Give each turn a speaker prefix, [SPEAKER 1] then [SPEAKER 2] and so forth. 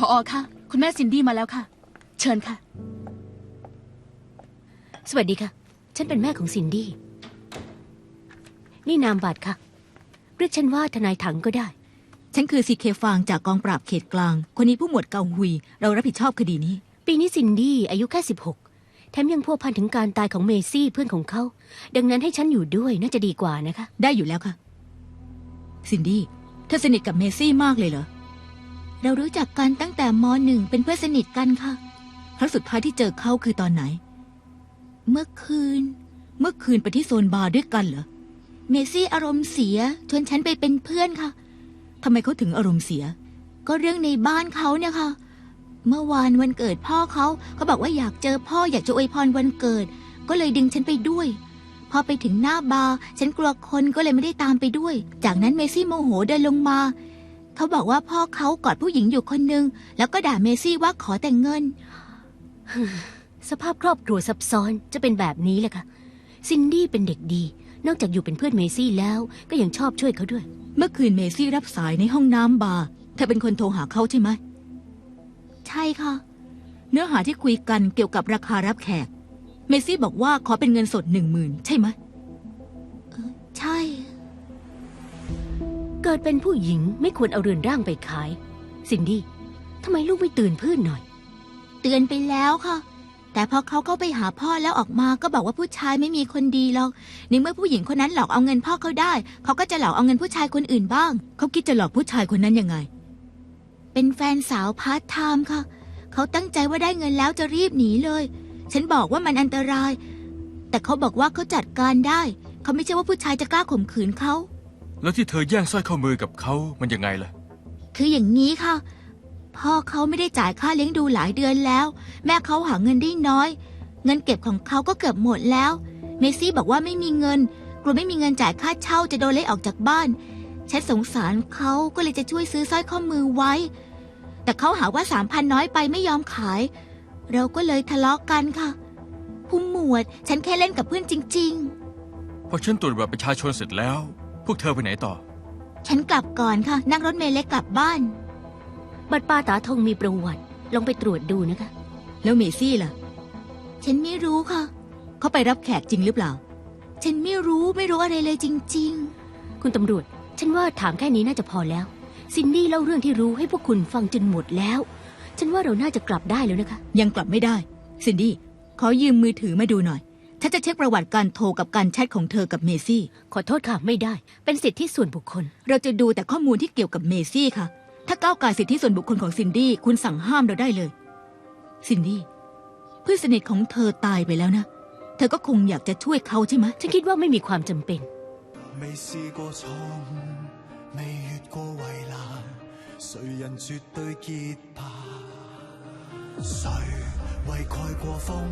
[SPEAKER 1] ผอ.ค่ะคุณแม่ซินดี้มาแล้วค่ะ เชิญค่ะ
[SPEAKER 2] สวัสดีค่ะฉันเป็นแม่ของซินดี้นี่นามบัตรค่ะเรียกฉันว่าทนายถังก็ได้
[SPEAKER 3] ฉันคือซีเคฟางจากกองปราบเขตกลางคนนี้ผู้หมวดเกาฮุยเรารับผิดชอบคดีนี้
[SPEAKER 2] ปีนี้ซินดี้อายุแค่16แถมยังพัวพันถึงการตายของเมซี่เพื่อนของเขาดังนั้นให้ฉันอยู่ด้วยน่าจะดีกว่านะคะ
[SPEAKER 3] ได้อยู่แล้วค่ะซินดี้เธอสนิทกับเมซี่มากเลยเหรอเรารู้จักกันตั้งแต่ม.1 เป็นเพื่อนสนิทกันค่ะครั้งสุดท้ายที่เจอเขาคือตอนไหนเมื่อคืนไปที่โซนบาร์ด้วยกันเหรอเมซี่อารมณ์เสียชวนฉันไปเป็นเพื่อนค่ะทำไมเขาถึงอารมณ์เสียก็เรื่องในบ้านเขาเนี่ยค่ะเมื่อวานวันเกิดพ่อเขาบอกว่าอยากเจอพ่ออยากจะอวยพรวันเกิดก็เลยดึงฉันไปด้วยพอไปถึงหน้าบาร์ฉันกลัวคนก็เลยไม่ได้ตามไปด้วยจากนั้นเมซี่โมโหเดินลงมาเขาบอกว่าพ่อเขากอดผู้หญิงอยู่คนนึงแล้วก็ด่าเมซี่ว่าขอแต่งเงิน
[SPEAKER 2] สภาพครอบครัวซับซ้อนจะเป็นแบบนี้แหละค่ะซินดี้เป็นเด็กดีนอกจากอยู่เป็นเพื่อนเมซี่แล้วก็ยังชอบช่วยเขาด้วย
[SPEAKER 3] เมื่อคืนเมซี่รับสายในห้องน้ำบาร์เธอเป็นคนโทรหาเขาใช่ไหมใช่ค่ะเนื้อหาที่คุยกันเกี่ยวกับราคารับแขกเมซี่บอกว่าขอเป็นเงินสด10,000ใช่ไหมใช่
[SPEAKER 2] เกิดเป็นผู้หญิงไม่ควรเอาเรือนร่างไปขายซินดี้ทำไมลูกไม่ตื่นพื้นหน่อย
[SPEAKER 3] เตือนไปแล้วค่ะแต่พอเขาเข้าไปหาพ่อแล้วออกมาก็บอกว่าผู้ชายไม่มีคนดีหรอกในเมื่อผู้หญิงคนนั้นหลอกเอาเงินพ่อเขาได้เขาก็จะหลอกเอาเงินผู้ชายคนอื่นบ้างเขาคิดจะหลอกผู้ชายคนนั้นยังไงเป็นแฟนสาวพาร์ทไทม์ค่ะเขาตั้งใจว่าได้เงินแล้วจะรีบหนีเลยฉันบอกว่ามันอันตรายแต่เขาบอกว่าเขาจัดการได้เขาไม่ใช่ว่าผู้ชายจะกล้าข่มขืนเขา
[SPEAKER 4] แล้วที่เธอแย่งสร้อยข้อมือกับเขามันยังไงล่ะ
[SPEAKER 3] คืออย่างนี้ค่ะพ่อเขาไม่ได้จ่ายค่าเลี้ยงดูหลายเดือนแล้วแม่เขาหาเงินได้น้อยเงินเก็บของเขาก็เกือบหมดแล้วเมซี่บอกว่าไม่มีเงินกลัวไม่มีเงินจ่ายค่าเช่าจะโดนไล่ออกจากบ้านฉันสงสารเขาก็เลยจะช่วยซื้อสร้อยข้อมือไว้แต่เขาหาว่า3,000น้อยไปไม่ยอมขายเราก็เลยทะเลาะกันค่ะผู้หมวดฉันแค่เล่นกับเพื่อนจริง
[SPEAKER 4] พอฉันตรวจบัตรประชาชนเสร็จแล้วพวกเธอไปไหนต่อ
[SPEAKER 3] ฉันกลับก่อนค่ะนั่งรถเมล์เล็กกลับบ้าน
[SPEAKER 2] บัตรปาตาทงมีประวัติลองไปตรวจดูนะคะ
[SPEAKER 3] แล้วเมซี่ล่ะฉันไม่รู้ค่ะเขาไปรับแขกจริงหรือเปล่าฉันไม่รู้อะไรเลยจริง
[SPEAKER 2] ๆคุณตำรวจฉันว่าถามแค่นี้น่าจะพอแล้วซินดี้เล่าเรื่องที่รู้ให้พวกคุณฟังจนหมดแล้วฉันว่าเราน่าจะกลับได้แล้วนะคะ
[SPEAKER 3] ยังกลับไม่ได้ซินดี้ขอยืมมือถือมาดูหน่อยฉันจะเช็คประวัติการโทรกับการแชทของเธอกับเมซี่
[SPEAKER 2] ขอโทษค่ะไม่ได้เป็นสิทธิส่วนบุคคล
[SPEAKER 3] เราจะดูแต่ข้อมูลที่เกี่ยวกับเมซี่ค่ะถ้าก้าวก่ายสิทธิส่วนบุคคลของซินดี้คุณสั่งห้ามเราได้เลยซินดี้เพื่อนสนิทของเธอตายไปแล้วนะเธอก็คงอยากจะช่วยเขาใช่ไหม
[SPEAKER 2] ฉันคิดว่าไม่มีความจำเป็น
[SPEAKER 5] 未試過錯誤未越過圍欄誰人絕對潔白誰為蓋過風